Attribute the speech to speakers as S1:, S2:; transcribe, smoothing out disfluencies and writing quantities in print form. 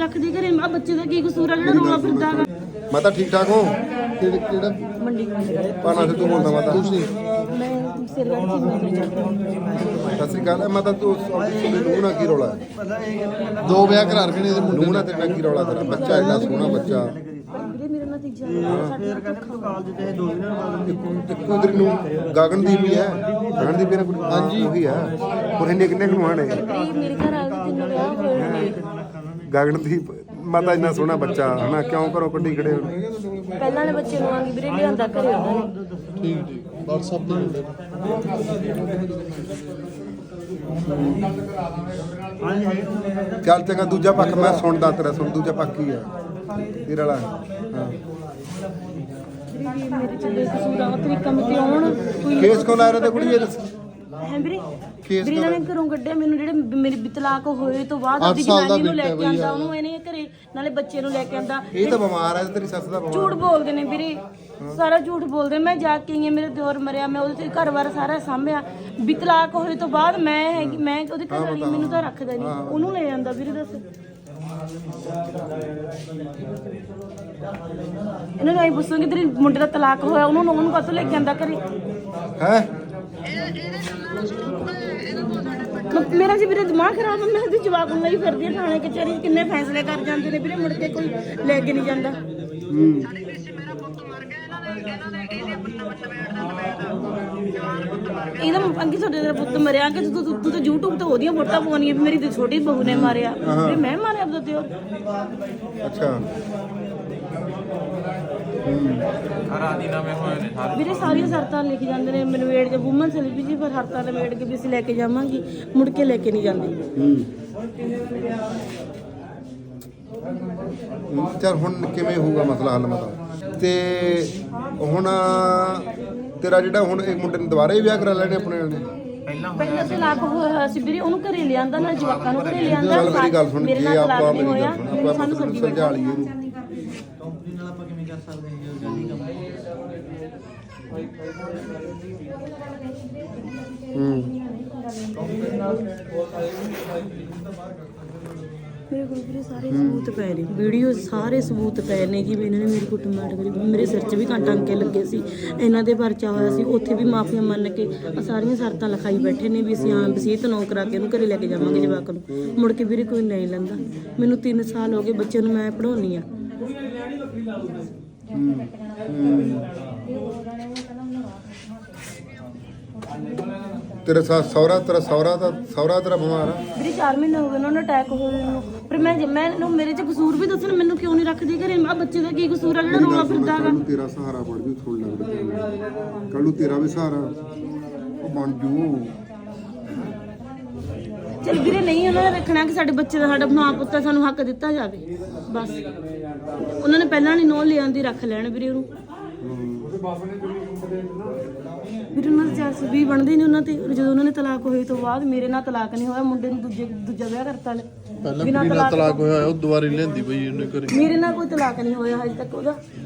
S1: ਰੱਖਦੀ ਘਰੇ? ਆ ਬੱਚੇ ਦਾ ਕੀ ਕਸੂਰ ਆ ਜਿਹੜਾ ਰੋਣਾ ਫਿਰਦਾ ਹੈਗਾ?
S2: ਮਾਤਾ ਠੀਕ ਠਾਕ ਹੋ?
S3: ਕਿਹੜਾ
S1: ਮੰਡੀ
S2: ਪਾਣਾ ਸਿੱਧੂ ਬੋਲਦਾ ਮਾਤਾ।
S3: ਤੁਸੀਂ
S1: ਮੈਂ ਸਿਰਗੜ੍ਹ ਦੀ ਨੌਕਰੀ ਕਰਦੀ
S2: ਸਤਿ ਸ੍ਰੀ ਅਕਾਲ। ਮਾਤਾ ਤੂੰ ਨੂੰਹ ਨਾਲ ਕੀ ਰੌਲਾ ਹੈ?
S3: ਦੋ ਵਿਆਹ ਕਰਾ ਰਖੇ ਨੇ ਇਹਦੇ ਮੁੰਡੇ
S2: ਨੂੰਹ ਨਾਲ ਤੇਰੇ ਨਾਲ ਕੀ ਰੌਲਾ? ਤੇਰਾ ਬੱਚਾ ਇੰਨਾ ਸੋਹਣਾ ਬੱਚਾ,
S1: ਵੀਰੇ ਮੇਰੇ ਨਾਲ ਤੀਜਾ ਸਾਡੇ ਨਾਲ ਧੋਖਾ
S2: ਇੱਕੋ ਤੇਰੀ ਨੂੰ ਗਗਨਦੀਪ ਵੀ ਹੈ। ਗਗਨਦੀਪ ਇਹਨਾਂ ਕੋਲ ਹਾਂਜੀ ਉਹੀ ਆ। ਹੋਰ ਇੰਨੇ ਕਿੰਨੇ ਕੁ ਨੇ?
S1: ਮੇਰੇ ਘਰ ਆ ਕੇ ਤਿੰਨ ਵਿਆਹ ਹੋਏ ਨੇ।
S2: ਗਗਨਦੀਪ ਮਾਤਾ ਇੰਨਾ ਸੋਹਣਾ ਬੱਚਾ ਹਨਾ, ਕਿਉਂ ਘਰੋਂ ਕੱਢੀ ਖੜੇ ਹੋ?
S1: ਪਹਿਲਾਂ ਵਾਲੇ ਬੱਚੇ ਨੂੰ ਆਂਗੀ ਵੀਰੇ ਲਿਆਂਦਾ ਘਰੇ ਉਹਨਾਂ ਨੇ।
S3: ਠੀਕ ਠੀਕ WhatsApp ਤੇ ਮੁੰਡੇ
S2: ਚੱਲ ਚੰਗਾ, ਦੂਜਾ ਪੱਖ ਮੈਂ ਸੁਣਦਾ ਤੇਰਾ। ਸੁਣ ਦੂਜਾ ਪੱਖ ਕੀ ਆ ਤੇਰਾ ਵਾਲਾ? ਹਾਂ
S1: ਮੇਰੇ ਚ ਬੇਕਸੂਰ ਆ ਤਰੀਕਾ ਮੈਂ ਤੇ ਆਉਣ ਕੋਈ
S2: ਕੇਸ ਕਿਉਂ ਲਾ ਰਹੇ ਤੇ ਕੁੜੀ ਇਹ ਦੱਸ?
S1: ਹੈ ਵੀਰੇ
S2: ਕੇਸ
S1: ਵੀਰੇ ਇਹਨਾਂ ਨੇ ਘਰੋਂ ਕੱਢਿਆ ਮੈਨੂੰ, ਜਿਹੜੇ ਮੇਰੇ ਤਲਾਕ ਹੋਏ ਤੋਂ ਬਾਅਦ ਆਪਣੀ ਜਨਾਨੀ ਨੂੰ ਲੈ ਕੇ ਆਂਦਾ, ਉਹਨੂੰ ਇਹਨੇ ਘਰੇ ਨਾਲੇ ਬੱਚੇ ਨੂੰ ਲੈ ਕੇ ਆਂਦਾ।
S2: ਇਹ ਤਾਂ ਬਿਮਾਰ ਹੈ, ਤੇਰੀ ਸੱਸ ਦਾ ਬਿਮਾਰ।
S1: ਝੂਠ ਬੋਲਦੇ ਨੇ ਵੀਰੇ, ਸਾਰਾ ਝੂਠ ਬੋਲਦੇ। ਮੈਂ ਜਾ ਕੇ ਆਈ ਹਾਂ, ਮੇਰੇ ਦਿਓਰ ਮਰਿਆ, ਮੈਂ ਉਹਦੇ ਤੇ ਘਰ-ਬਾਰ ਸਾਰਾ ਸਾਂਭਿਆ। ਵੀ ਤਲਾਕ ਹੋਏ ਤੋਂ ਬਾਅਦ ਮੈਂ ਹੈਗੀ, ਮੈਂ ਉਹਦੇ ਘਰ ਵਾਲੀ, ਮੈਨੂੰ ਤਾਂ ਰੱਖਦਾ ਨਹੀਂ, ਉਹਨੂੰ ਲੈ ਜਾਂਦਾ ਵੀਰੇ। ਦੱਸ ਇਹਨਾਂ ਨੂੰ ਆਈ ਪੁੱਛਾਂਗੇ ਤੇਰੇ ਮੁੰਡੇ ਦਾ ਤਲਾਕ ਹੋਇਆ, ਉਹਨੂੰ ਕਾਹਤੋਂ ਲੈ ਕੇ ਆਂਦਾ ਘਰੇ?
S2: ਹੈ
S1: ਮੇਰਾ ਜੀ ਵੀਰੇ ਦਿਮਾਗ ਖਰਾਬ ਹੈ। ਮੈਂ ਤੇ ਜਵਾਬ ਨੂੰ ਲਈ ਫਿਰਦੀ ਹਾਂ ਥਾਣੇ ਕਚਹਿਰੀ, ਕਿੰਨੇ ਫੈਸਲੇ ਕਰ ਜਾਂਦੇ ਨੇ ਵੀਰੇ, ਮੁੜ ਕੇ ਕੋਈ ਲੈ ਕੇ ਨਹੀਂ ਜਾਂਦਾ। ਇਹਦਾ ਅੰਕੀ ਤੁਹਾਡੇ ਦਾ ਪੁੱਤ ਮਰਿਆ ਕਿ ਤੂੰ ਤਾਂ YouTube ਤੇ ਉਹਦੀਆਂ ਫੋਟੋਆਂ ਪਾਉਣੀਆਂ ਵੀ ਮੇਰੀ ਤੇ ਛੋਟੀ ਬਹੂ ਨੇ ਮਾਰਿਆ, ਵੀ ਮੈਂ ਮਾਰਿਆ ਆਪਦਾ ਦਿਓਰ।
S2: ਅੱਛਾ
S1: ਵੀਰੇ ਸਾਰੀਆਂ ਸ਼ਰਤਾਂ ਲਿਖ ਜਾਂਦੇ ਨੇ ਮੈਨੂੰ, ਵੇੜ ਦੇ ਵੂਮਨ ਸੈਲਫੀ ਜੀ ਪਰ ਸ਼ਰਤਾਂ ਵੇੜ ਕੇ ਵੀ ਅਸੀਂ ਲੈ ਕੇ ਜਾਵਾਂਗੇ, ਮੁੜ ਕੇ ਲੈ ਕੇ ਨਹੀਂ ਜਾਂਦੇ।
S2: ਚੱਲ ਹੁਣ ਕਿਵੇਂ ਹੋਊਗਾ ਮਸਲਾ ਹੱਲ? ਮਤਲਬ ਤੇ ਹੁਣ ਤੇਰਾ ਜਿਹੜਾ ਹੁਣ ਇੱਕ ਮੁੰਡੇ ਨੇ ਦੁਬਾਰਾ ਹੀ ਵਿਆਹ ਕਰਾ ਲੈਣੇ ਆਪਣੇ ਨਾਲ ਨੇ?
S1: ਪਹਿਲਾਂ ਤਲਾਕ ਹੋਇਆ ਸੀ ਵੀਰੇ, ਉਹਨੂੰ ਘਰੇ ਲਿਆਂਦਾ, ਨਾਲ ਜਵਾਕਾਂ ਨੂੰ ਘਰੇ ਲਿਆਂਦਾ।
S2: ਚੱਲ ਮੇਰੀ ਗੱਲ ਸੁਣ,
S1: ਮੇਰੇ
S2: ਜੇ
S1: ਨਾਲ
S2: ਆਪਾਂ
S1: ਤਲਾਕ ਨਹੀਂ
S2: ਮੇਰੀ
S1: ਹੋਇਆ,
S2: ਗੱਲ ਸੁਣ, ਆਪਾਂ
S1: ਸਾਨੂੰ
S2: ਨੂੰ
S1: ਛੱਡੀ
S2: ਸਮਝਾ ਲਈਏ ਇਹਨੂੰ।
S4: ਕੰਪਨੀ ਨਾਲ ਆਪਾਂ ਕਿਵੇਂ ਕਰ ਸਕਦੇ ਹਾਂ ਇਹ ਗੱਲ ਹੀ ਕੰਮ।
S1: ਮੇਰੇ ਕੋਲ ਵੀਰੇ ਸਾਰੇ ਸਬੂਤ ਪਏ ਨੇ, ਵੀਡੀਓ ਸਾਰੇ ਸਬੂਤ ਪਏ ਨੇ ਕਿ ਵੀ ਇਹਨਾਂ ਨੇ ਮੇਰੀ ਕੁੱਟਮਾਰ ਕਰੀ। ਮੇਰੇ ਸਿਰ 'ਚ ਵੀ ਟਾਂਕੇ ਲੱਗੇ ਸੀ, ਇਹਨਾਂ ਦੇ ਪਰਚਾ ਹੋਇਆ ਸੀ, ਉੱਥੇ ਵੀ ਮਾਫੀਆਂ ਮੰਨ ਕੇ ਸਾਰੀਆਂ ਸ਼ਰਤਾਂ ਲਿਖਾਈ ਬੈਠੇ ਨੇ ਵੀ ਅਸੀਂ ਹਾਂ ਵਸੀਅਤ ਨੌ ਕਰਾ ਕੇ ਉਹਨੂੰ ਘਰੇ ਲੈ ਕੇ ਜਾਵਾਂਗੇ ਜਵਾਕ ਨੂੰ। ਮੁੜ ਕੇ ਵੀਰੇ ਕੋਈ ਨਹੀਂ ਲੈਂਦਾ। ਮੈਨੂੰ 3 ਸਾਲ ਹੋ ਗਏ ਬੱਚੇ ਨੂੰ ਮੈਂ ਪੜ੍ਹਾਉਣੀ ਆ।
S2: ਤੇਰਾ ਸਹੁਰਾ ਤੇਰਾ ਬਿਮਾਰ ਆ?
S1: ਵੀਰੇ 4 ਮਹੀਨੇ ਹੋ ਗਏ ਉਹਨਾਂ ਨੂੰ ਅਟੈਕ ਹੋਏ ਨੂੰ, ਪਰ ਮੈਂ ਮੇਰੇ 'ਚ ਕਸੂਰ ਵੀ ਦੱਸਣ, ਮੈਨੂੰ ਕਿਉਂ ਨਹੀਂ ਰੱਖਦੀ ਘਰੇ? ਆ ਬੱਚੇ ਦਾ ਕੀ ਕਸੂਰ ਆ ਜਿਹੜਾ ਰੋਣਾ ਫਿਰਦਾ ਹੈਗਾ?
S2: ਤੇਰਾ ਸਹਾਰਾ ਬਣ ਜੂ, ਥੋੜਾ ਲੱਗਦਾ ਕੱਲ ਨੂੰ ਤੇਰਾ ਵੀ ਸਹਾਰਾ ਉਹ ਬਣ ਜੂ।
S1: ਚਲ ਵੀਰੇ ਨਹੀਂ ਉਹਨਾਂ ਨੇ ਰੱਖਣਾ ਕਿ ਸਾਡੇ ਬੱਚੇ ਦਾ, ਸਾਡਾ ਮਾਂ ਪੁੱਤ ਸਾਨੂੰ ਹੱਕ ਦਿੱਤਾ ਜਾਵੇ ਬਸ। ਉਹਨਾਂ ਨੇ ਪਹਿਲਾਂ ਨਹੀਂ ਨੋ ਲਿਆਂਦੀ, ਰੱਖ ਲੈਣ ਵੀਰੇ ਉਹਨੂੰ। ਵੀਰੇ ਉਹਨਾਂ ਦੇ 420 ਬਣਦੇ ਨੇ ਉਹਨਾਂ ਤੇ। ਜਦੋਂ ਉਹਨਾਂ ਨੇ ਤਲਾਕ ਹੋਏ ਤੋਂ ਬਾਅਦ ਮੇਰੇ ਨਾਲ ਤਲਾਕ ਨਹੀਂ ਹੋਇਆ, ਮੁੰਡੇ ਨੂੰ ਦੂਜਾ ਵਿਆਹ ਕਰਤਾ ਲੈ।
S3: ਪਹਿਲਾਂ ਕੁੜੀ ਨਾਲ ਤਲਾਕ ਹੋਇਆ, ਉਹ ਦੁਬਾਰੇ ਲੈਂਦੀ ਪਈ ਉਹਨੇ ਘਰੇ।
S1: ਮੇਰੇ ਨਾਲ ਕੋਈ ਤਲਾਕ ਨਹੀਂ ਹੋਇਆ ਹਜੇ ਤੱਕ ਉਹਦਾ।